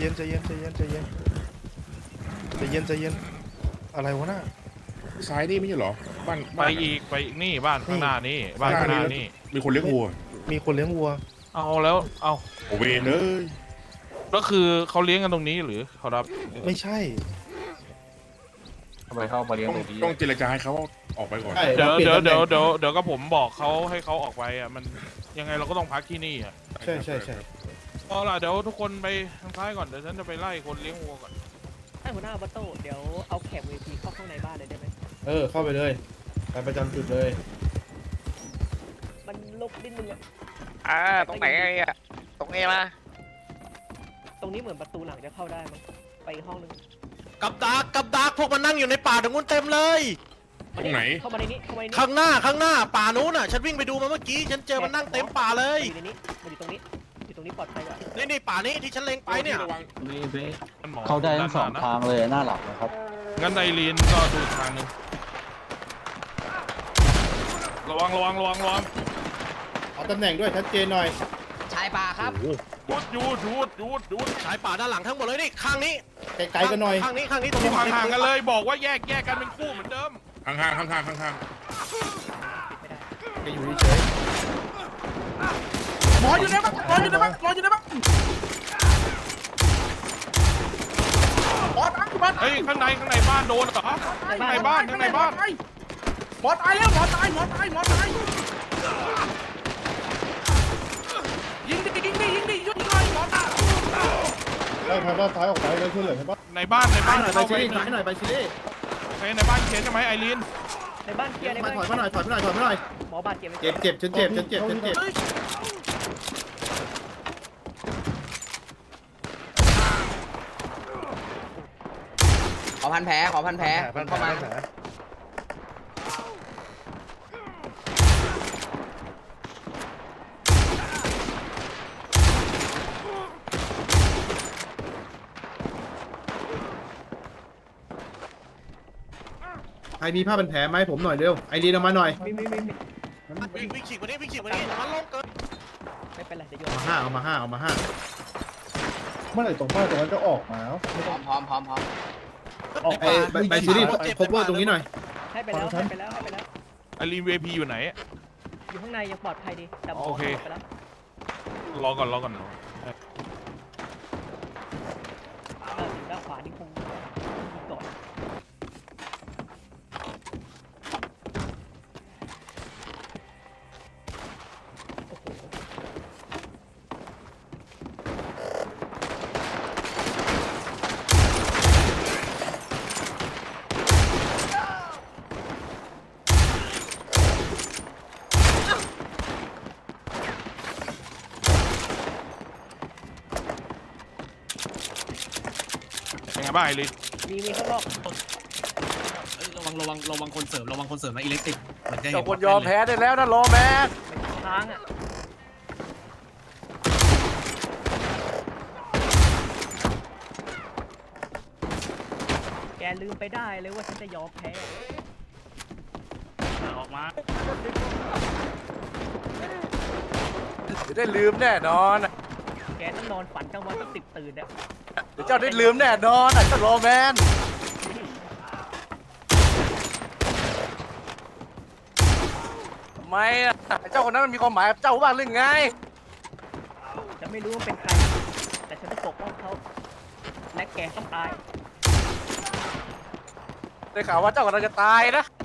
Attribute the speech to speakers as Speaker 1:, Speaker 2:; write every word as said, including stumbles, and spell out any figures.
Speaker 1: ย็นใจเย็นใจเย็นใจเย็นใจเย็นใจเย็นอะไรวะน่ะ
Speaker 2: ซ้ายนี่ไม่ใช่เหรอบ้าน
Speaker 3: ไปอีกไปอีกนี่บ้านข้างหน้านี่บ้านข้างหน้านี่
Speaker 2: มีคนเลี้ยงวัว
Speaker 1: มีคนเลี้ยงวัว
Speaker 3: เอาแล้วเอา
Speaker 2: โอเวนเลย
Speaker 3: ก็คือเขาเลี้ยงกันตรงนี้หรือเขารับ
Speaker 1: ไม่ใช่
Speaker 4: ทำไมเข้ามาเลี้ยง
Speaker 2: ต้อง
Speaker 4: ตรงนี้
Speaker 2: ต้องเจรจาให้เขาออกไปก่อน
Speaker 3: เดี๋ยวเดี๋ยวเดี๋ยวเดี๋ยวเดี๋ยวก็ผมบอกเขาให้เขาออกไปอ่ะมันยังไงเราก็ต้องพักที่นี่อ่ะ
Speaker 1: ใช่ใช่ใช่
Speaker 3: เอาล่ะเดี๋ยวทุกคนไปทางซ้ายก่อนเดี๋ยวฉันจะไปไล่คนเลี้ยงวัวก่อน
Speaker 5: ท่านหัวหน้าบัตโต้เดี๋ยวเอาแขก วี พี เข้าข้างในบ้านเลยได้ไหม
Speaker 1: เออเข้าไปเลยไปประจำจุดเลย
Speaker 5: มันลกนิดนึงอะ
Speaker 6: อ่าตรงไหนไอ้อะตรงเอมา
Speaker 5: ตรงนี้เหมือนประตูหลังจะเข้าได้มั้งไปอีกห้องนึง
Speaker 7: กับดักกับดักพวกมันนั่งอยู่ในป่าตรงนู้นเต็มเลย
Speaker 2: ตรงไหน
Speaker 5: เข้ามาในนี้เข้ามาในนี้
Speaker 7: ข้างหน้าข้างหน้าป่านู้นน่ะฉันวิ่งไปดูมาเมื่อกี้ฉันเจอมันนั่งเต็มป่าเล
Speaker 5: มาย อยู่ในนี้มาอยู่ตรงนี้อยู่ตรงนี้ปลอดภัยกว่า
Speaker 7: นี่นี่ป่านี้ที่ฉันเล็งไปเนี่ย
Speaker 2: ระวัง
Speaker 4: นี่เบ๊ะ
Speaker 3: มันหมอ
Speaker 4: เข้าได้ทั้งสอง
Speaker 3: ด้นหน้นะ
Speaker 4: ทางเลยหน้าหลับนะครับ
Speaker 3: งั้นไอรีนก็ดูอีกทางหนึงระวังระวังระวังระวัง
Speaker 1: เอาตำแหน่งด้วยชัดเจนหน่อย
Speaker 5: ชายป่าครับ
Speaker 3: หยุดหยุดหยุดหยุดหยุด
Speaker 7: สายป่าด้านหลังทั้งหมดเลยนี่ข้างนี้
Speaker 1: ไกลๆกันหน่อย
Speaker 7: ข้างนี้ข้างนี้ตรง
Speaker 3: อยู่
Speaker 7: นี้
Speaker 3: ห่างๆกันเลยบอกว่าแยกแยกกันเป็นคู่เหมือนเดิม
Speaker 2: ข้างข้างข้างข้างข้างข้าง
Speaker 1: จะอยู่เฉย
Speaker 7: หมออยู่ในบ้านหมออยู่ในบ้านหมออยู่ในบ้าน
Speaker 3: เฮ้ยข้างในข้างในบ้านโดนเหรอข้างในบ้านข้างในบ้าน
Speaker 7: หมอตายแล้วหมอตายหมอตายหมอตายยิงดิยิงดิยิงดิยิงดิหมอตาย
Speaker 1: ได้ทางด้านซ้ายออกไปแล้วช่วยเหลือใช่ปะ
Speaker 3: ในบ้านในบ้าน
Speaker 1: ไป
Speaker 3: เข้า
Speaker 1: ชิ
Speaker 3: ไป
Speaker 1: ลี่ถอยหน่อยไปชิลี่
Speaker 3: ไปในบ้านเขียนใช่ไหมไอรีน
Speaker 5: ในบ้านเคลียร์ใน
Speaker 1: มา
Speaker 5: บ้าน
Speaker 1: ถอยมาหน่อยถอยมาหน่อยถอยมาหน่อย
Speaker 5: หมอบาดเจ็บไหม
Speaker 1: เจ็บเจ็บฉันเจ็บฉันเจ็บฉันเจ็บ
Speaker 6: ขอพันแผลขอพันแผลเข้ามา
Speaker 1: ใครมีผ้าเป็นแผลไหมผมหน่อยเร็วไอรีนเอามาหน่อย
Speaker 5: มีมีมีมี
Speaker 7: วิ่งวิ่งฉีกมานี่วิ่งฉีกมานี่มันลงเกิน
Speaker 5: ไม่เป็นไรเดี๋ยวโยน
Speaker 1: เอามาห้าเอามาห้าเอามาห้าเมื่อไหร่ตรงผ้าตรงนั้นจะออกมา
Speaker 6: พร้อมพร้อมพร้อมพร้อม
Speaker 1: ออกไปไปชิลี่คบเวอร์ตรงนี้หน่อย
Speaker 5: ให้ไปแล้วให้ไปแล้วให้ไปแล้ว
Speaker 3: ไอรีนเวพีอยู่ไหน
Speaker 5: อยู่ข้างในยังปลอดภัยดีแต่หมอ
Speaker 3: โอเค
Speaker 5: ไปแล้ว
Speaker 3: รอก่อนรอก่อน
Speaker 5: เออถึงด้านขวานี่คงยิงก่อนโอ้โห
Speaker 3: เป็นไงบ้างไอรีน
Speaker 5: มีมีข้างนอก
Speaker 8: ระวังระวังระวังคนเสริมระวังคนเสริมนะอิเล็กทริกเหมือนจะเห็น
Speaker 6: เจ้าคนยอมแพ้ได้แล้วนะโรแมน
Speaker 5: ค้างอ่ะแกลืมไปได้เลยว่าฉันจะยอมแพ้
Speaker 8: ออกมา
Speaker 6: เดี๋ยวได้ลืมแน่นอน
Speaker 5: แกต้องนอนฝันกลางวันต้องติดตื่นอ่ะ
Speaker 6: เดี๋ยวเจ้าได้ลืมแน่นอนอ่ะเจ้าโรแมนทำไมอ่ะเจ้าคนนั้นมันมีความหมายกับเจ้าบ้างหรือไง
Speaker 5: จะไม่รู้ว่าเป็นใคร แต่ฉันจะปกป้องเขา และแกต้องตาย
Speaker 6: ได้ข่าวว่าเจ้ากำลังจะตายนะ